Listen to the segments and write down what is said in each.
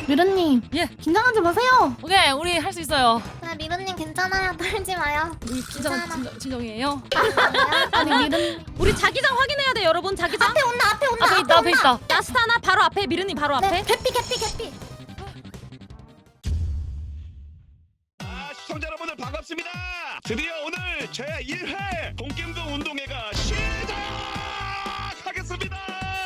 미르님. 예. 긴장하지 마세요. 오케이, 우리 할 수 있어요. 네, 미르님 괜찮아요. 떨지 마요. 우리 진정이에요. 아니 미르님. 우리 자기장 확인해야 돼 여러분. 자기장 앞에 온다, 앞에 온다. 앞에 있다, 앞에 있다. 야스타나 바로 앞에 미르님 바로 앞에. 네, 개피. 시청자 여러분들 반갑습니다. 드디어 오늘 제 1회 동겜동 운동회가 시작하겠습니다.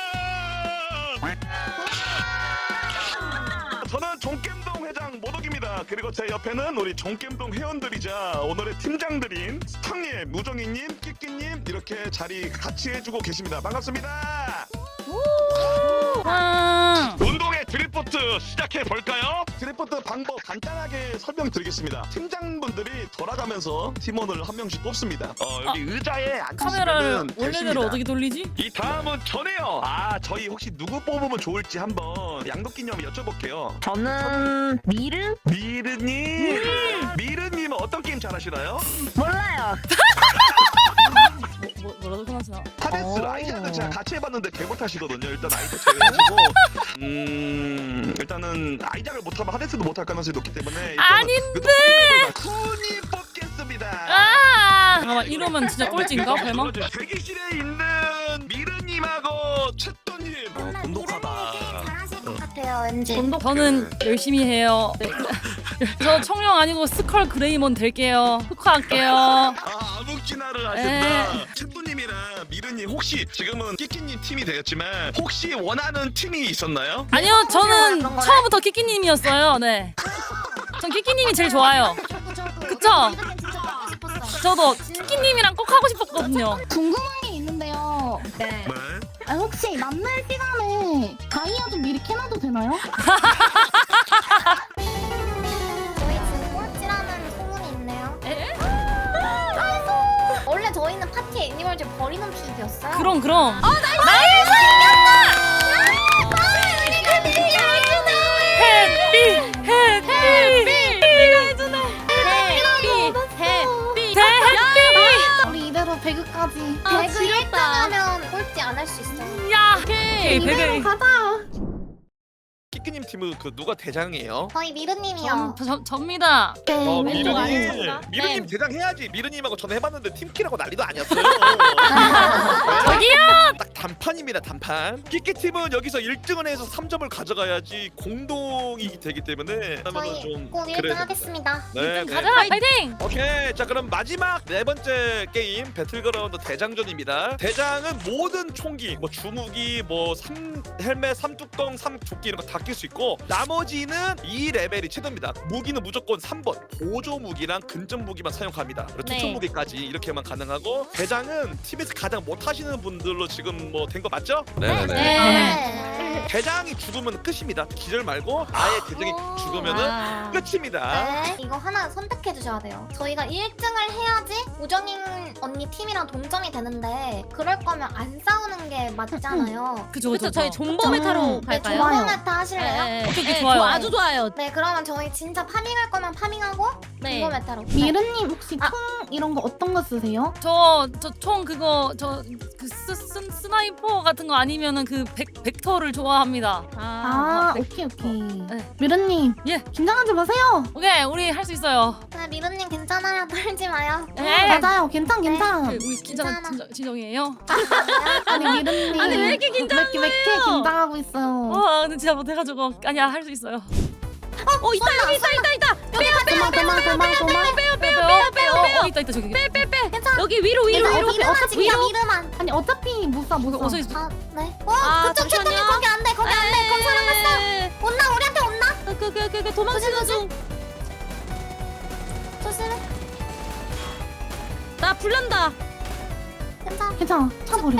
저는 종겜동 회장 모덕입니다. 그리고 제 옆에는 우리 종겜동 회원들이자 오늘의 팀장들인 스탕님, 무정이님, 끼끼님 이렇게 자리 같이 해주고 계십니다. 반갑습니다. 운동회 드리프트 시작해 볼까요? 드리프트 방법 간단하게 설명드리겠습니다. 팀장분들이 돌아가면서 팀원을 한 명씩 뽑습니다. 여기 의자에 카메라를 앉으시면 원래대로 어떻게 돌리지? 이 다음은 저네요. 저희 혹시 누구 뽑으면 좋을지 한번 양도끼님이 여쭤볼게요. 저는 미르님. 미르님은 어떤 게임 잘하시나요? 몰라요. 뭐라도 끝났어. 하데스 라이자는 제가 같이 해봤는데 개 못하시거든요. 일단 아이작 제외하시고 일단은 아이작을 못하면 하데스도 못할 가능성이 높기 때문에 아닌데! 쿤이 뽑겠습니다. 잠깐만, 이러면 진짜 꼴찌인가? 발망? 대기실에 있는 미르님하고 채또님 미르님이 잘하실 것 같아요, 왠지. 저는 열심히 해요. 네. 저 청룡 아니고 스컬 그레이몬 될게요. 흑화할게요. 아묵진화를 하신다. 채또님이랑 미르님 혹시 지금은 끼끼님 팀이 되었지만 혹시 원하는 팀이 있었나요? 아니요, 저는 처음부터 키키님이었어요. 네. 전 키키님이 제일 좋아요. 그쵸? 미르님 진짜 하고 싶었어요. 저도 키키님이랑 꼭 하고 싶었거든요. 궁금한 게 있는데요. 네. 혹시 만날 시간에 다이아 좀 미리 캐놔도 되나요? 저희 지금 꼴찌라는 소문이 있네요. 에? 원래 저희는 파티 애니멀즈 버리는 픽이었어요. 그럼. 우리 이대로 배그까지. 배그 지렸다. 1등하면 꼴찌 안 할 수 있어요. 야! 오케이, 이대로 배그. 가자. 끼끼님 팀은 그 누가 대장이에요? 저희 미르님이요. 접니다. 네, 왼쪽 아래. 미르님 대장 해야지. 미르님하고 저는 해봤는데 팀키라고 난리도 아니었어요. 저기요! 딱 단판입니다. 단판. 끼끼 팀은 여기서 1등을 해서 3점을 가져가야지 공동이 되기 때문에 그러면은 저희 좀 꼭 1등 그래야 됩니다. 하겠습니다. 네, 네. 가자, 파이팅! 오케이. 자, 그럼 마지막 네 번째 게임 배틀그라운드 대장전입니다. 대장은 모든 총기, 뭐 주무기, 뭐 헬멧, 삼뚝동, 삼조끼 이런 거 다 낄 수 있고 나머지는 2레벨이 최대입니다. 무기는 무조건 3번 보조 무기랑 근접 무기만 사용합니다. 그리고 네. 투척 무기까지 이렇게만 가능하고 대장은 팀에서 가장 못하시는 분들로 지금 뭐 된 거 맞죠? 네. 대장이 죽으면 끝입니다. 기절 말고 아예 대장이 죽으면은 끝입니다. 네. 이거 하나 선택해 주셔야 돼요. 저희가 1등을 해야지 우정인 언니 팀이랑 동점이 되는데 그럴 거면 안 싸우는 게 맞잖아요. 그죠. 그쵸 저희 존버 메타로 네, 갈까요? 조범 메타 하실래요? 오케이, 좋아요. 아주 좋아요. 네, 그러면 저희 진짜 파밍할 거면 파밍하고 네. 조범 메타로. 미르님 혹시 총 이런 거 어떤 거 쓰세요? 저 총 그거 스나이퍼 같은 거 아니면은 그 벡터를 좋아합니다. 오케이. 네. 미르님. 예. 긴장하지 마세요. 오케이, 우리 할 수 있어요. 네, 미르님 괜찮아요. 떨지 마요. 맞아요. 괜찮. 우리 진정이에요. 아니 미르님. 아니, 왜 이렇게 긴장한 왜 이렇게 긴장하고 있어요? 근데 진짜 못해가지고 아니야, 할 수 있어요. 있다 여기 있다. 빼요. 있다 저기. 여기 위로. 미르만 지키자, 미르만. 아니 어차피 못 사. 어서 있어. 아, 네. 그쪽 잠시만요. 채통이 거기 안 돼. 거기 안 돼. 그럼 사람 갔어. 온나, 우리한테 온나? 그 도망치는 중. 조심해. 나 불난다. 괜찮아. 차 버려.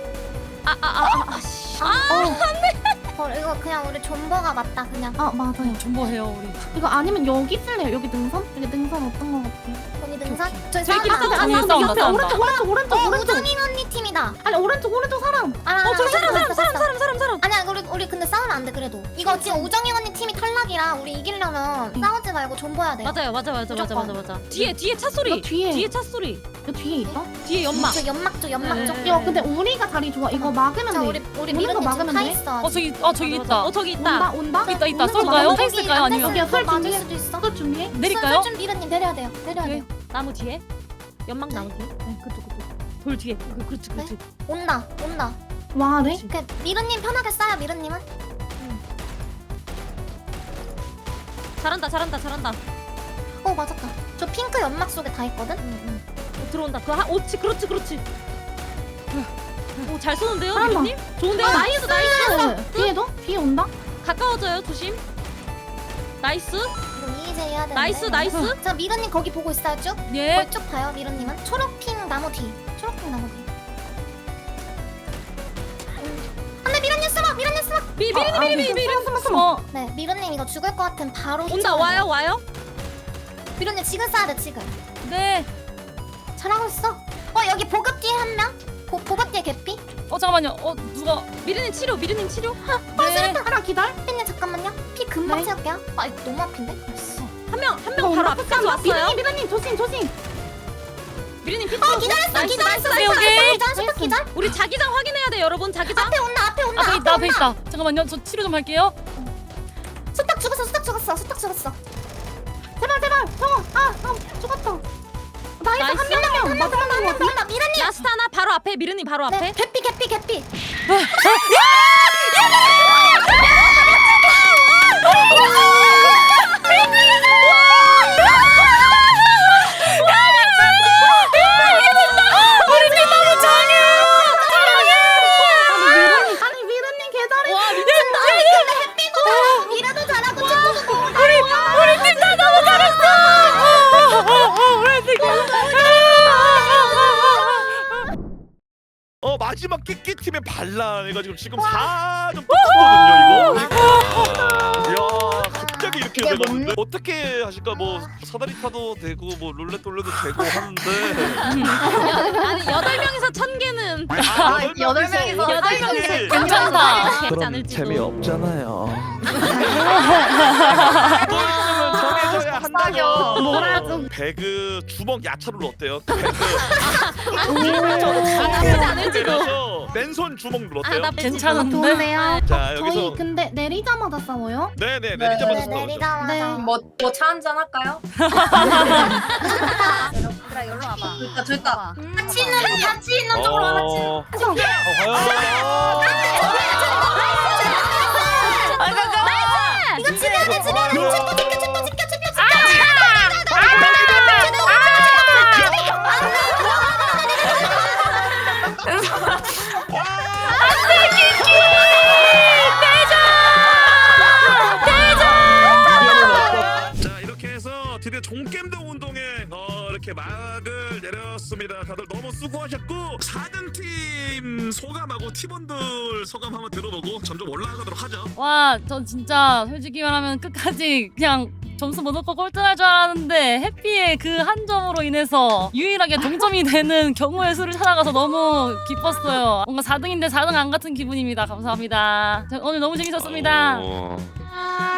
이거 그냥 우리 존버가 맞다, 그냥. 맞아요. 존버해요 우리. 이거 아니면 여기 쓸래요? 여기 능선? 여기 능선 어떤 거 같아요? 거기 능선? 저희 저기 사람 있다. 많아. 아니 싸운다, 옆에 싸운다. 오른쪽. 우정인 언니 팀이다. 아니 오른쪽 사람. 저 사람. 아니야, 우리 근데 싸우면 안 돼, 그래도. 이거 지금 우정인 언니 팀이 탈락 마지막이라 우리 이기려면 싸우지 말고 존버해야 돼요. 맞아요 무조건. 뒤에 차 소리 너 뒤에. 뒤에 차 소리 저 뒤에 있어? 뒤에 연막 저 연막 쪽 연막 네. 쪽. 야 근데 우리가 자리 좋아. 이거 막으면 자 돼. 우리 오는 거 미르님 지금 막으면 타 돼? 있어. 저기 있다. 어 저기 온다 있다 온다. 있다 오는 거 쏠까요? 막으면 타 돼. 있을까요? 아니면 여기야, 설 맞을 준비해. 수도 있어. 술 준비해. 내릴까요? 좀 미르님 내려야 돼요. 내려야 네. 돼요. 나무 뒤에 연막 나무 뒤에 그쪽 돌 뒤에 그렇지 온다. 와 네. 그 미르님 편하게 싸요. 미르님은. 잘한다 어 맞았다. 저 핑크 연막 속에 다 있거든. 들어온다 그렇지 오 잘 쏘는데요 잘한다. 미르님? 좋은데요? 나이스 뒤에도? 뒤에 온다? 가까워져요 조심 나이스 이거 이제 해야 되는데. 나이스 자 미르님 거기 보고 있어요 쭉. 예. 거기 쭉 봐요. 미르님은 초록핑 나무 뒤. 안돼 미르님 숨어. 미르님 숨어. 미르님 숨어. 네 미르님 이거 죽을 것 같으면 바로. 온다 휘청하세요. 와요 미르님 지금 쏴야 돼 지금. 네. 잘하고 있어. 여기 보급 뒤에 한 명. 보급 뒤에 개피. 잠깐만요. 누가? 미르님 치료 네. 하나 기다려. 피님 잠깐만요. 피 금방 네. 채울게요. 아 이거 너무 아픈데. 한 명 바로 앞까지 왔어요 미라님 조심. 미르님 피 치료 기다렸어. 오케이. 기절. 기절. 우리 자기장 확인해야 돼 여러분 자기장 앞에 온다. 앞에 있다. 잠깐만요. 저 치료 좀 할게요. 수탉 죽었어. 제발. 정어. 죽었다. 나이스 나이스. 한 명. 마지막 거 같은데? 미르님. 라스트 하나 바로 앞에 미르님 바로 앞에 네. 개피. 아니 미르님 개잘해. 와 미르도 잘하고 마지막 끼끼 팀의 반란 해가지고 지금 4점 똑같거든요 이거. 이야 갑자기 이렇게 돼가는데 어떻게 하실까? 뭐 사다리 타도 되고 뭐 룰렛 돌려도 되고 하는데. 아니 8명이서 1000개는 여덟 명이서 괜찮다. 괜찮지 않을지도 없잖아요. 또 있으면 정해져야 한다요. 뭐라고? 배그 주먹 야차룰 어때요? 배그 나쁘지 않을지도 그래서 맨손 주먹 룰 어때요? 괜찮은데? 좋네요. 자 저희 여기서 근데 내리자마자 싸워요? 네네 내리자마자 싸우죠. 내리자마자. 네. 뭐 차 한잔 할까요? 얘들아 일로 와봐. 줄까? 같이 있는 쪽으로 하나 이거 집어야 돼. 자 이렇게 해서 드디어 종겜동 운동에 이렇게 막을 내렸습니다. 다들 너무 수고하셨고 4등팀 소감하고 팀원들 소감 한번 들어보고 점점 올라가도록 하죠. 와, 전 진짜 솔직히 말하면 끝까지 그냥 점수 못 얻고 꼴등할 줄 알았는데 해피의 그 한 점으로 인해서 유일하게 동점이 되는 경우의 수를 찾아가서 너무 기뻤어요. 뭔가 4등인데 4등 안 같은 기분입니다. 감사합니다. 오늘 너무 재밌었습니다.